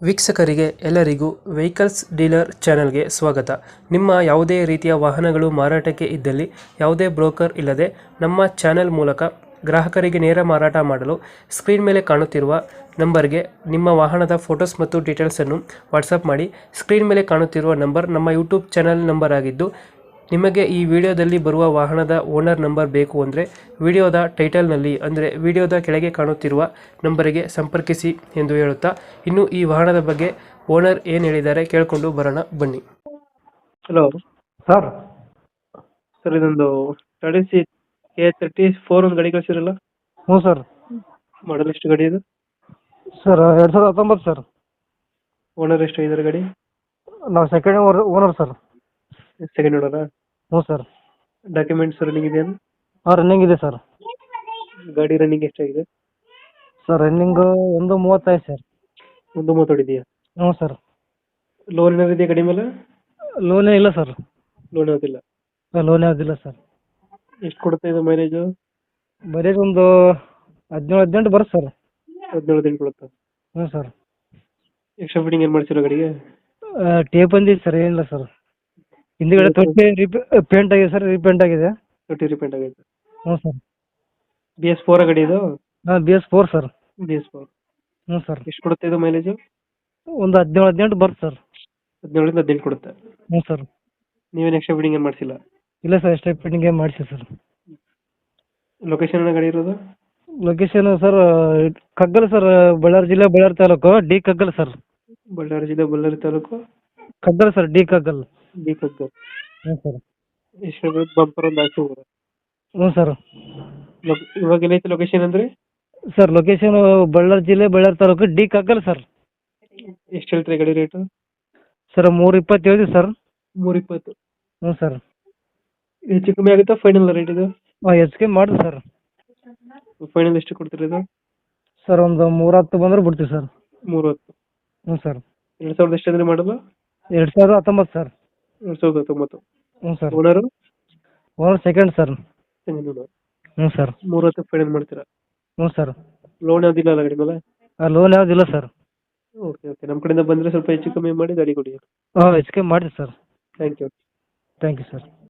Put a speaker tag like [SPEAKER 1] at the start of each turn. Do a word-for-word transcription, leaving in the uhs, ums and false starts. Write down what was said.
[SPEAKER 1] ವೀಕ್ಷಕರಿಗೆ ಎಲ್ಲರಿಗೂ vehicles dealer ಚಾನೆಲ್ಗೆ ಸ್ವಾಗತ. ನಿಮ್ಮ ಯಾವುದೇ ರೀತಿಯ ವಾಹನಗಳು ಮಾರಾಟಕ್ಕೆ ಇದ್ದಲ್ಲಿ ಯಾವುದೇ ಬ್ರೋಕರ್ ಇಲ್ಲದೆ ನಮ್ಮ ಚಾನೆಲ್ ಮೂಲಕ ಗ್ರಾಹಕರಿಗೆ ನೇರ ಮಾರಾಟ ಮಾಡಲು ಸ್ಕ್ರೀನ್ ಮೇಲೆ ಕಾಣುತ್ತಿರುವ ನಂಬರ್ಗೆ ನಿಮ್ಮ ವಾಹನದ ಫೋಟೋಸ್ ಮತ್ತು ಡೀಟೇಲ್ಸನ್ನು ವಾಟ್ಸಪ್ ಮಾಡಿ. ಸ್ಕ್ರೀನ್ ಮೇಲೆ ಕಾಣುತ್ತಿರುವ ನಂಬರ್ ನಮ್ಮ ಯೂಟ್ಯೂಬ್ ಚಾನೆಲ್ ನಂಬರ್ ಆಗಿದ್ದು, ನಿಮಗೆ ಈ ವಿಡಿಯೋದಲ್ಲಿ ಬರುವ ವಾಹನದ ಓನರ್ ನಂಬರ್ ಬೇಕು ಅಂದರೆ ವಿಡಿಯೋದ ಟೈಟಲ್ನಲ್ಲಿ ಅಂದರೆ ವಿಡಿಯೋದ ಕೆಳಗೆ ಕಾಣುತ್ತಿರುವ ನಂಬರಿಗೆ ಸಂಪರ್ಕಿಸಿ ಎಂದು ಹೇಳುತ್ತಾ, ಇನ್ನು ಈ ವಾಹನದ ಬಗ್ಗೆ ಓನರ್ ಏನು ಹೇಳಿದ್ದಾರೆ ಕೇಳಿಕೊಂಡು ಬರೋಣ ಬನ್ನಿ. Hello
[SPEAKER 2] sir.
[SPEAKER 1] ಸರ್, ಇದೊಂದು Tata C K thirty four ಒಂದು ಗಾಡಿ ಕಳಿಸಿರಲ್ಲ,
[SPEAKER 2] ಹ್ಞೂ ಸರ್.
[SPEAKER 1] ಮಾಡಲ್ ಎಷ್ಟು ಗಾಡಿ ಇದು?
[SPEAKER 2] ಸರ್ ಎರಡು ಸಾವಿರದ ಹತ್ತೊಂಬತ್ತು ಸರ್.
[SPEAKER 1] ಓನರ್ ಎಷ್ಟು ಇದ್ದಾರೆ ಗಾಡಿ?
[SPEAKER 2] ನಾವು ಸೆಕೆಂಡ್ ಓನರ್ ಸರ್.
[SPEAKER 1] ಸೆಕೆಂಡ್ ಓನರಾ?
[SPEAKER 2] ಹ್ಞೂ ಸರ್.
[SPEAKER 1] ಡಾಕ್ಯುಮೆಂಟ್ಸ್ ರನ್ನಿಂಗ್ ಇದೆಯಾ?
[SPEAKER 2] ಹಾಂ, ರನ್ನಿಂಗ್ ಇದೆ ಸರ್.
[SPEAKER 1] ಗಾಡಿ ರನ್ನಿಂಗ್ ಎಷ್ಟಾಗಿದೆ?
[SPEAKER 2] ಸರ್ ರನ್ನಿಂಗು ಒಂದು ಮೂವತ್ತೈದು ಸರ್.
[SPEAKER 1] ಒಂದು ಮೂವತ್ತೊಡಿದೆಯಾ?
[SPEAKER 2] ಹ್ಞೂ ಸರ್.
[SPEAKER 1] ಲೋನ್ ಏನಾದ್ರು ಇದೆಯಾ ಗಾಡಿ ಮೇಲೆ?
[SPEAKER 2] ಲೋನೇ ಇಲ್ಲ ಸರ್.
[SPEAKER 1] ಲೋನ್ ಯಾವುದಿಲ್ಲ?
[SPEAKER 2] ಲೋನೇ ಯಾವುದಿಲ್ಲ ಸರ್.
[SPEAKER 1] ಎಷ್ಟು ಕೊಡುತ್ತೆ ಇದು ಮೈಲೇಜು?
[SPEAKER 2] ಬರೀ ಒಂದು ಹದಿನೇಳು ಹದಿನೆಂಟು ಬರುತ್ತೆ ಸರ್.
[SPEAKER 1] ಹದಿನೇಳು ದಿನ ಕೊಡುತ್ತೆ.
[SPEAKER 2] ಹ್ಞೂ ಸರ್.
[SPEAKER 1] ಎಕ್ಸ್ಟ್ರಾ ಫಿಟ್ಟಿಂಗ್ ಏನು ಮಾಡ್ಸಿರೋ ಗಾಡಿಗೆ?
[SPEAKER 2] ಟೇಪ್ ಬಂದಿದೆ ಸರ್, ಏನಿಲ್ಲ ಸರ್. ಹಿಂದಿಗಡೆ ತೊಟ್ಟಿ ರಿಪೇ ಪೇಂಟ್ ಆಗಿದೆ ಸರ್, ರೀಪೇಂಟ್ ಆಗಿದೆ.
[SPEAKER 1] ತೊಟ್ಟಿ ರಿಪೇಂಟ್ ಆಗೈತೆ.
[SPEAKER 2] ಹ್ಞೂ ಸರ್.
[SPEAKER 1] ಬಿ ಎಸ್ ಫೋರ್ ಗಾಡಿ ಇದು?
[SPEAKER 2] ಹಾಂ, B S four sir.
[SPEAKER 1] B S four.
[SPEAKER 2] ಹ್ಞೂ ಸರ್.
[SPEAKER 1] ಎಷ್ಟು ಕೊಡುತ್ತೆ ಇದು ಮೈಲೇಜು?
[SPEAKER 2] ಒಂದು ಹದಿನೇಳು ಹದಿನೆಂಟು ಬರುತ್ತೆ ಸರ್.
[SPEAKER 1] ಹದಿನೇಳರಿಂದ ಹದಿನೆಂಟು ಕೊಡುತ್ತೆ.
[SPEAKER 2] ಹ್ಞೂ ಸರ್.
[SPEAKER 1] ನೀವೇನು ಎಕ್ಸ್ಟ್ರಾ ಫಿಟ್ಟಿಂಗ್ ಏನು ಮಾಡಿಸಿಲ್ಲ?
[SPEAKER 2] ಇಲ್ಲ ಸರ್, ಎಷ್ಟೇ ಫಿಟ್ಟಿಂಗ್ ಏನು ಮಾಡಿಸಿ ಸರ್.
[SPEAKER 1] ಲೊಕೇಶನ್ ಗಾಡಿ ಇರೋದು?
[SPEAKER 2] Location sir Kaggal sir, Bellary ಜಿಲ್ಲೆ ಬಳ್ಳಾರಿ ತಾಲೂಕು ಡಿ ಕಗ್ಗಲ್ ಸರ್.
[SPEAKER 1] ಬಳ್ಳಾರಿ ಜಿಲ್ಲೆ Bellary taluk
[SPEAKER 2] Kaggal sir, D Kaggal.
[SPEAKER 1] D Kaggal.
[SPEAKER 2] ಹ್ಞೂ ಸರ್.
[SPEAKER 1] ಎಷ್ಟು ಬಂಪರ್ ಒಂದು ಹಾಕಿ ಹೋಗೋದು?
[SPEAKER 2] ಹ್ಞೂ ಸರ್.
[SPEAKER 1] ಇವಾಗ ಏನೈತೆ ಲೊಕೇಶನ್ ಅಂದರೆ?
[SPEAKER 2] ಸರ್ ಲೊಕೇಶನ್ ಬಳ್ಳಾರಿ ಜಿಲ್ಲೆ ಬಳ್ಳಾರಿ ತಾಲೂಕು ಡಿ ಕಗ್ಗಲ್ ಸರ್.
[SPEAKER 1] ಎಷ್ಟು ಹೇಳ್ತೀರಿ ಗಾಡಿ ರೇಟು?
[SPEAKER 2] ಸರ್ ಮೂರು ಇಪ್ಪತ್ತು ಹೇಳಿದ್ವಿ ಸರ್.
[SPEAKER 1] ಮೂರು ಇಪ್ಪತ್ತು?
[SPEAKER 2] ಹ್ಞೂ ಸರ್.
[SPEAKER 1] ಹೆಚ್ಚು ಕಮ್ಮಿ ಆಗುತ್ತಾ ಫೈನಲ್ ರೇಟ್ ಇದು?
[SPEAKER 2] ಹಾಂ, ಹೆಚ್ಚಿಗೆ ಮಾಡಿರಿ ಸರ್.
[SPEAKER 1] ಫೈನಲ್ ಎಷ್ಟು ಕೊಡ್ತೀರಿ ಇದು?
[SPEAKER 2] ಸರ್ ಒಂದು ಮೂರು ಹತ್ತು ಬಂದ್ರೆ ಬಿಡ್ತೀವಿ ಸರ್.
[SPEAKER 1] ಮೂರು ಹತ್ತು?
[SPEAKER 2] ಹ್ಞೂ ಸರ್.
[SPEAKER 1] ಎರಡು ಸಾವಿರದ ಎಷ್ಟು ಅಂದರೆ ಮಾಡಲ್ಲ?
[SPEAKER 2] ಎರಡು ಸಾವಿರದ ಹತ್ತೊಂಬತ್ತು ಸರ್.
[SPEAKER 1] ಎರಡು ಸಾವಿರದ ಹತ್ತೊಂಬತ್ತು?
[SPEAKER 2] ಹ್ಞೂ sir.
[SPEAKER 1] Owner?
[SPEAKER 2] Owner second sir.
[SPEAKER 1] Second owner.
[SPEAKER 2] ಹ್ಞೂ ಸರ್.
[SPEAKER 1] ಮೂರು ಹತ್ತು ಫೈನಲ್ ಮಾಡ್ತೀರಾ?
[SPEAKER 2] ಹ್ಞೂ ಸರ್.
[SPEAKER 1] ಲೋನ್ ಯಾವುದಿಲ್ಲ ಅಲ್ಲ ಗಾಡಿ ಮೇಲೆ?
[SPEAKER 2] ಲೋನ್ ಯಾವುದಿಲ್ಲ ಸರ್.
[SPEAKER 1] ಓಕೆ ಓಕೆ, ನಮ್ಮ ಕಡೆಯಿಂದ ಬಂದರೆ ಸ್ವಲ್ಪ ಹೆಚ್ಚು ಕಮ್ಮಿ ಮಾಡಿ ಗಾಡಿ ಕೊಡಿ.
[SPEAKER 2] ಹಾಂ, ಹೆಚ್ಚಿಗೆ ಮಾಡಿರಿ sir.
[SPEAKER 1] Thank you.
[SPEAKER 2] Thank you sir.